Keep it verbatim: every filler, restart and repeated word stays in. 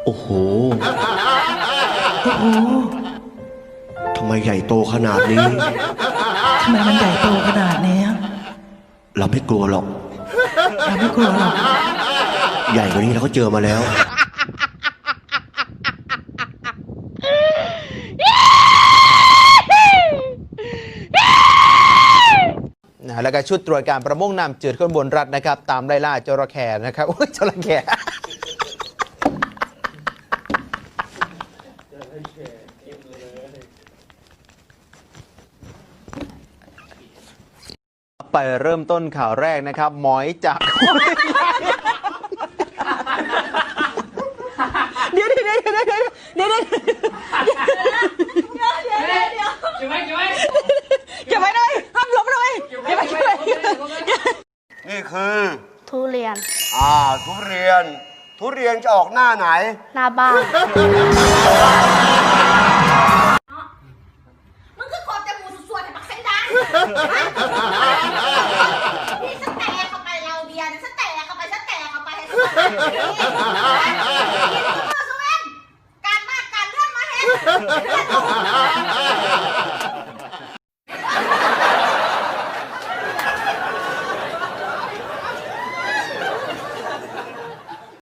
โอ้โหโอ้โหทำไมใหญ่โตขนาดนี้ทำไมมันใหญ่โตขนาดนี้เราไม่กลัวหรอกเราไม่กลัวหรอกใหญ่กว่านี้เราก็เจอมาแล้วนะแล้วก็ชุดตรวจการประมงน้ำจืดข้นบนรัฐนะครับตามไล่ล่าจระเข้นะครับโอ้ยจระเข้ไปเริ่มต้นข่าวแรกนะครับหมอยจากเดี๋ยวเดี๋ยวเดี๋ยวเดี๋ยวเดี๋ยวเดี๋ยวเดี๋ยวเดี๋ยวเดี๋ยวเก็บไว้เก็บไว้เก็บไว้เลยห้ามล้มเลยเก็บไว้เก็บไว้นี่คือทุเรียนอ่าทุเรียน ทุเรียนจะออกหน้าไหนหน้าบ้านมึงคือกดจมูกส่วนๆแต่ปักเส้นดังนี่สแตกเข้าไปเราเบียร์สแตกเข้าไปสแตกเข้าไปให้สแตกนี่นี่คือมือสุเวนการมากการเลื่อนมาเห็น